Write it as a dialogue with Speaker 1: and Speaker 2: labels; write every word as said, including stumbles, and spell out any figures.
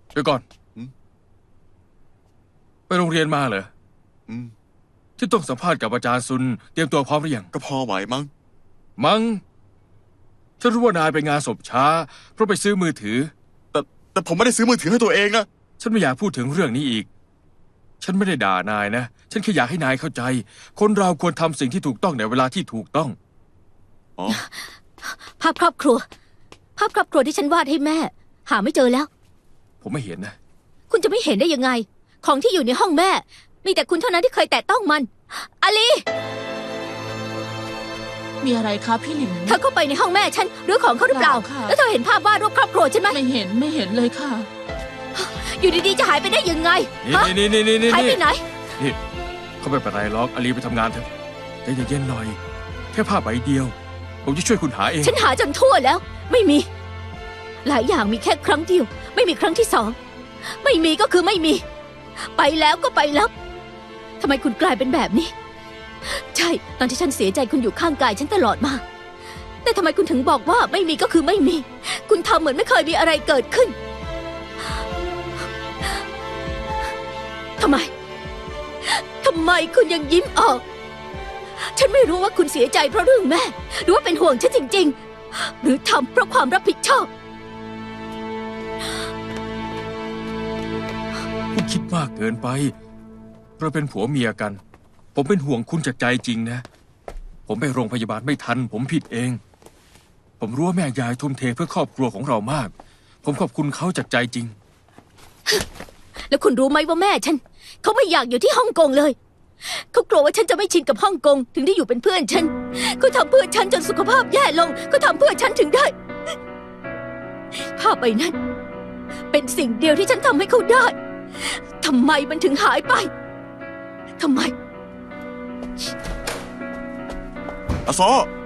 Speaker 1: เดี๋ยวก่อนไปโรงเรียนมาเหรอที่ต้องสัมภาษณ์กับอาจารย์ซุนเตรียมตัวพร้อมหรือยัง
Speaker 2: ก็พอไหวมั้ง
Speaker 1: มั้งฉันรู้ว่านายไปงานศพช้าเพราะไปซื้อมือถือ
Speaker 2: แต่แต่ผมไม่ได้ซื้อมือถือให้ตัวเองนะ
Speaker 1: ฉันไม่อยากพูดถึงเรื่องนี้อีกฉันไม่ได้ด่านายนะฉันแค่อยากให้นายเข้าใจคนเราควรทำสิ่งที่ถูกต้องในเวลาที่ถูกต้อง
Speaker 2: อ๋อ
Speaker 3: ภาพครอบครัวภาพครอบครัวที่ฉันวาดให้แม่หาไม่เจอแล้ว
Speaker 1: ผมไม่เห็นนะ
Speaker 3: คุณจะไม่เห็นได้ยังไงของที่อยู่ในห้องแม่มีแต่คุณเท่านั้นที่เคยแตะต้องมันอาลี
Speaker 4: มีอะไรคะพี่หลิน
Speaker 3: เธอเข้าไปในห้องแม่ฉันหรือของเขาหรือเปล่าแล้วเธอเห็นภาพวาดรูปครอบครัวใช่ไหม
Speaker 4: ไม่เห็นไม่เห็นเลยค่ะ
Speaker 3: อยู่ดีๆจะหายไปได้ยังไง
Speaker 1: นี่นี่นี่นี่
Speaker 3: หายไปไหน
Speaker 1: นี่เขาไม่เป็นไรหรอกอาลีไปทำงานเถอะใจเย็นๆหน่อยแค่ภาพใบเดียวผมจะช่วยคุณหาเอง
Speaker 3: ฉันหาจนทั่วแล้วไม่มีหลายอย่างมีแค่ครั้งเดียวไม่มีครั้งที่สองไม่มีก็คือไม่มีไปแล้วก็ไปแล้วทำไมคุณกลายเป็นแบบนี้ใช่ตอนที่ฉันเสียใจคุณอยู่ข้างกายฉันตลอดมาแต่ทำไมคุณถึงบอกว่าไม่มีก็คือไม่มีคุณทำเหมือนไม่เคยมีอะไรเกิดขึ้นทำไมทำไมคุณยังยิ้มออกฉันไม่รู้ว่าคุณเสียใจเพราะเรื่องแม่หรือว่าเป็นห่วงฉันจริงๆหรือทำเพราะความรับผิดชอบ
Speaker 1: คุณคิดมากเกินไปเราเป็นผัวเมียกันผมเป็นห่วงคุณจากใจจริงนะผมไปโรงพยาบาลไม่ทันผมผิดเองผมรู้ว่าแม่ยายทุ่มเทเพื่อครอบครัวของเรามากผมขอบคุณเขาจากใจจริง
Speaker 3: แล้วคุณรู้ไหมว่าแม่ฉันเขาไม่อยากอยู่ที่ฮ่องกงเลยเขากลัวว่าฉันจะไม่ชินกับฮ่องกงถึงได้อยู่เป็นเพื่อนฉันเขาทำเพื่อฉันจนสุขภาพแย่ลงเขาทำเพื่อฉันถึงได้ภาพใบนั้นเป็นสิ่งเดียวที่ฉันทำให้เขาได้ทำไมมันถึงหายไปทำไม
Speaker 2: อาโซ